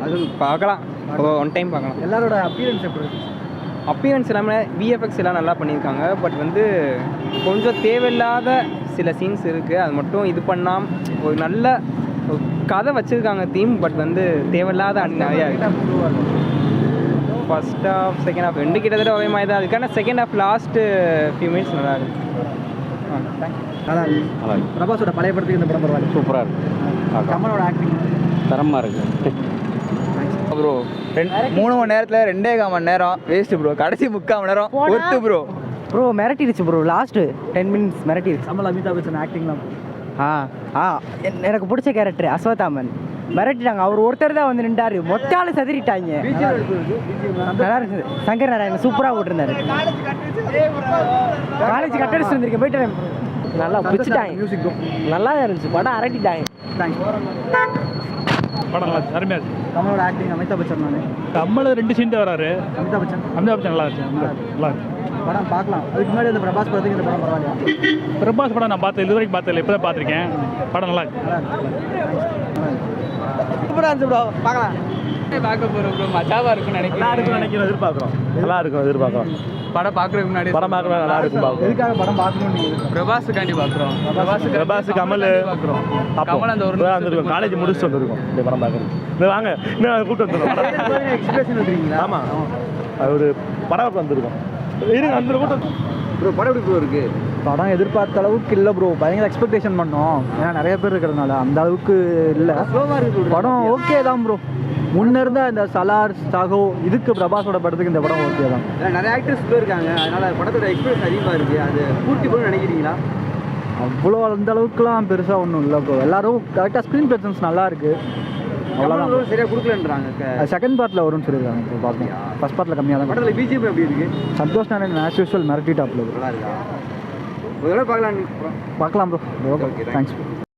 அது பார்க்கலாம், one time பார்க்கலாம். எல்லாரோட அப்பியரன்ஸ் எப்படி இருக்கு? அப்பியரன்ஸ் இல்லாமல் விஎஃப்எக்ஸ் எல்லாம் நல்லா பண்ணியிருக்காங்க. பட் வந்து கொஞ்சம் தேவையில்லாத சில சீன்ஸ் இருக்குது. அது மட்டும் இது பண்ணாமல் ஒரு நல்ல கதை வச்சுருக்காங்க தீம். பட் வந்து தேவையில்லாத நிறையா இருக்குது. ஃபர்ஸ்ட் ஹாஃப் செகண்ட் ஹாஃப் ரெண்டு கிட்டத்தட்ட ஒரே மாதிரி தான். அதுக்கான second half last few minutes நல்லா இருக்கு. நல்லா இருக்கு. பிரபாஸோட பழைய படத்துக்கு இந்த படம் பரவாயில்ல, சூப்பராக இருக்குது. கமலோட ஆக்டிங் தரமாக இருக்குது ப்ரோ. 3 மணி நேரத்தில் 2.25 மணி நேரம் வேஸ்ட்டு ப்ரோ. கடைசி 3/4 மணி நேரம் ஒர்த்து ப்ரோ. ப்ரோ மிரட்டிடுச்சு ப்ரோ, லாஸ்ட்டு 10 மினிட்ஸ் மிரட்டிடுச்சு. கமல் அமிதாப் பச்சன் ஆக்டிங்லாம் எனக்கு பிடிச்ச கேரக்டர் அஸ்வத்தாமன் மிரட்டிட்டாங்க. அவர் ஒருத்தர் தான் வந்து நின்றாரு, மொத்த ஆளு சதிரிட்டாங்க. நல்லா இருக்குது. சங்கர் நாராயணன் சூப்பராக போட்டிருந்தாரு. காலேஜ் கட்டடிச்சு வந்திருக்கேன், போயிட்டு நல்லா பிடிச்சிட்டாங்க. மியூசிக்கும் நல்லா இருந்துச்சு, படம் அரட்டிட்டாங்க. படம் நல்லா இருந்துச்சு, அருமையாக இருக்குது. கமலோட ஆக்டிங் அமிதாப் பச்சன் நான் கமல் 2 சீன் தான் வராரு. அமிதாப் பச்சன் நல்லா இருந்துச்சு, நல்லா இருக்கு. படம் பார்க்கலாம். அதுக்கு முன்னாடி அந்த பிரபாஸ் படத்துக்கு இந்த படம் பரவாயில்லையா? பிரபாஸ் படம் நான் பார்த்தேன், இது வரைக்கும் பார்த்ததில்லை, இப்போ தான் பார்த்துருக்கேன். படம் நல்லா இருக்கு. சூப்பராக இருந்துச்சு ப்ரோ, பார்க்கலாம். பார்க்க போகிறோம் ப்ரோ, மஜாவாக இருக்குன்னு நினைக்கிறேன். எதிர்பார்க்குறோம், நல்லா இருக்கும். எதிர்பார்க்குறோம். படம் பார்க்குறதுக்கு முன்னாடி படம் பார்க்கணும், நல்லா இருக்கும். எதுக்காக படம் பார்க்கணும்னு நீங்கள்? பிரபாஸுக்காண்டி பார்க்குறோம். பிரபாஸ் கமல் பார்க்குறோம். அப்போ கமல் அந்த ஒரு வந்துருக்கோம், காலேஜ் முடிச்சுட்டு வந்துருக்கோம் இந்த படம் பார்க்குறது. இந்த வாங்க இன்னும் கூப்பிட்டு வந்துருக்கோம். எக்ஸ்பிரஷன் எடுக்கிறீங்களா? ஆமாம், அது ஒரு பரபரப்பு வந்திருக்கோம். இருங்க அந்த கூட்டம் ப்ரோ படம் எப்படி ப்ரோ இருக்குது? படம் எதிர்பார்த்த அளவுக்கு இல்லை ப்ரோ. பயங்கர எக்ஸ்பெக்டேஷன் பண்ணோம், ஏன்னா நிறைய பேர் இருக்கிறதுனால அந்த அளவுக்கு இல்லை. படம் ஓகே தான் ப்ரோ. முன்ன இருந்த இந்த சலார் சாகோ இதுக்கு பிரபாஸோட படத்துக்கு இந்த படம் ஓகே தான். நிறைய ஆக்டர்ஸ் இருக்காங்க, அதனால படத்தோட எக்ஸ்பீரியன்ஸ் அதிகமாக இருக்குது. அது பூர்த்தி பண்ண நினைக்கிறீங்களா? அவ்வளோ அந்த அளவுக்குலாம் பெருசாக ஒன்றும் இல்லை ப்ரோ. எல்லாரும் கரெக்டாக ஸ்க்ரீன் ப்ரெசன்ஸ் நல்லா இருக்குது, அவ்வளோதான். சரியாக கொடுக்கலன்றாங்க. செகண்ட் பார்ட்டில் வரும்னு சொல்லியிருக்காங்க. இப்போ பார்க்கலாம், ஃபர்ஸ்ட் பார்ட்டில் கம்மியாக தான். படத்தில் பிஜிஎம் எப்படி இருக்குது? சந்தோஷ் நாராயணன் ஆஸ் யூஸ்வல் மிரட்டி டாப்பில் நல்லா இருக்கா? ஒரு தடவை பார்க்கலாம். பார்க்கலாம் ப்ரோ. Okay, thanks.